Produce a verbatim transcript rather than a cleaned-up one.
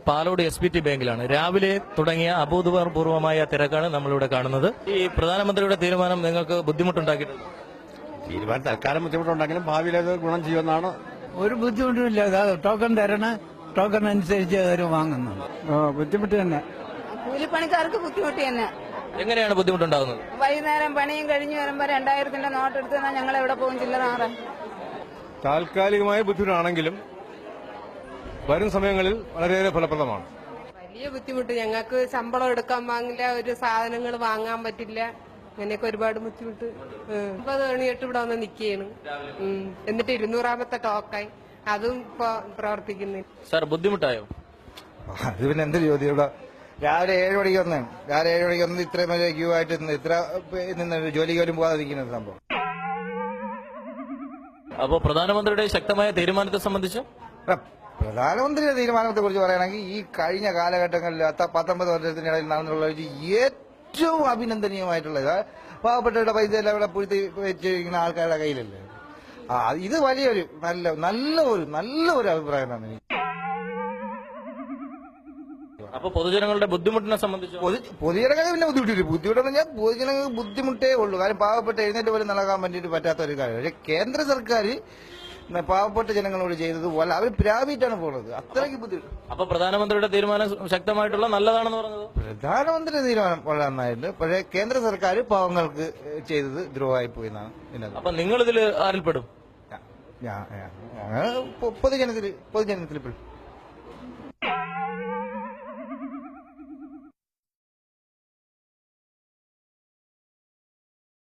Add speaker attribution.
Speaker 1: Palode S B T ബാങ്കിലാണ്. രാവിലെ തുടങ്ങിയ അഭൂതപൂർവമായ തിരക്കാണ് നമ്മളിവിടെ കാണുന്നത്. ഈ പ്രധാനമന്ത്രിയുടെ തീരുമാനം നിങ്ങൾക്ക് ബുദ്ധിമുട്ടുണ്ടാക്കിയിട്ടുണ്ട്?
Speaker 2: തീരുമാനം തൽക്കാലം ബുദ്ധിമുട്ടുണ്ടെങ്കിലും ഭാവിയിൽ അത് ഗുണം ചെയ്യുമെന്നാണ്.
Speaker 3: ഒരു ബുദ്ധിമുട്ടുമില്ല. ടോക്കൺ തരണ ടോക്കൺ അനുസരിച്ച് അവർ വാങ്ങുന്നു. ബുദ്ധിമുട്ട് തന്നെ.
Speaker 4: കൂലിപ്പണിക്കാർക്ക് ബുദ്ധിമുട്ട് തന്നെ.
Speaker 1: എങ്ങനെയാണ് ബുദ്ധിമുട്ടുണ്ടാകുന്നത്?
Speaker 4: വൈകുന്നേരം പണിയും കഴിഞ്ഞു വരുമ്പോ രണ്ടായിരത്തിന്റെ നോട്ട് എടുത്ത് തന്നാൽ ഞങ്ങൾ എവിടെ പോകും? ചില്ലറ
Speaker 2: താൽക്കാലികമായ ബുദ്ധിമുട്ടാണെങ്കിലും വരും സമയങ്ങളിൽ വളരെയേറെ ഫലപ്രദമാണ്.
Speaker 5: വലിയ ബുദ്ധിമുട്ട്. ഞങ്ങൾക്ക് ശമ്പളം എടുക്കാൻ വാങ്ങില്ല, ഒരു സാധനങ്ങൾ വാങ്ങാൻ പറ്റില്ല, അങ്ങനെയൊക്കെ ഒരുപാട് ബുദ്ധിമുട്ട്. ഒമ്പത് മണിയൊട്ട് ഇവിടെ വന്ന് നിൽക്കുകയാണ്. എന്നിട്ട് ഇരുന്നൂറാമത്തെ ടോക്കായി, അതും ഇപ്പൊ പ്രവർത്തിക്കുന്നില്ല.
Speaker 1: സാർ ബുദ്ധിമുട്ടായോ?
Speaker 6: അത് പിന്നെ എന്തൊരു ചോദ്യം. ഇവിടെ രാവിലെ ഏഴ് മണിക്ക് വന്നാണ്. രാവിലെ ഏഴ് മണിക്ക് വന്ന് ഇത്രയും വലിയ ക്യൂ ആയിട്ട് നിന്ന് ഇത്ര നിന്ന് ജോലിക്ക് പോലും പോകാതെ നിൽക്കുന്ന സംഭവം.
Speaker 1: അപ്പോ പ്രധാനമന്ത്രിയുടെ ശക്തമായ തീരുമാനത്തെ സംബന്ധിച്ച്
Speaker 6: പ്രധാനമന്ത്രിയുടെ തീരുമാനത്തെ കുറിച്ച് പറയുകയാണെങ്കിൽ ഈ കഴിഞ്ഞ കാലഘട്ടങ്ങളിൽ പത്തൊമ്പത് വർഷത്തിനിടയിൽ നടന്നുള്ള ഏറ്റവും അഭിനന്ദനീയമായിട്ടുള്ളത് പാവപ്പെട്ടവരുടെ പൈസ എല്ലാം ഇവിടെ പൂഴ്ത്തി വെച്ചിരിക്കുന്ന ആൾക്കാരുടെ കയ്യിലല്ലേ. ആ ഇത് വലിയൊരു നല്ല നല്ല ഒരു നല്ല ഒരു അഭിപ്രായമാണ് എനിക്ക്.
Speaker 1: അപ്പൊ പൊതുജനങ്ങളുടെ ബുദ്ധിമുട്ടിനെ സംബന്ധിച്ച്
Speaker 6: പൊതുജനങ്ങൾക്ക് പിന്നെ ബുദ്ധിമുട്ടില്ല. ബുദ്ധിമുട്ടെന്ന് പറഞ്ഞാൽ പൊതുജനങ്ങൾക്ക് ബുദ്ധിമുട്ടേ ഉള്ളൂ. കാരണം പാവപ്പെട്ട എഴുന്നേറ്റ് പോലും നടക്കാൻ വേണ്ടിയിട്ട് പറ്റാത്ത ഒരു കാര്യം. പക്ഷെ കേന്ദ്ര സർക്കാർ പാവപ്പെട്ട ജനങ്ങളോട് ചെയ്തത് പോലെ അവർ പ്രാപിച്ചാണ് പോകുന്നത്. അത്രയ്ക്ക് ബുദ്ധിമുട്ട്.
Speaker 1: അപ്പൊ പ്രധാനമന്ത്രിയുടെ തീരുമാനം ശക്തമായിട്ടുള്ള നല്ലതാണെന്ന് പറഞ്ഞത്?
Speaker 6: പ്രധാനമന്ത്രിയുടെ തീരുമാനം വളരെ നന്നായിട്ടുണ്ട്. പക്ഷേ കേന്ദ്ര സർക്കാർ പാവങ്ങൾക്ക് ചെയ്തത് ദ്രോഹമായി പോയി എന്നാണ്.
Speaker 1: അപ്പൊ നിങ്ങൾ ഇതിൽ ആരിൽപ്പെടും?
Speaker 6: പൊതുജനത്തിൽ പൊതുജനത്തിൽ പെടും.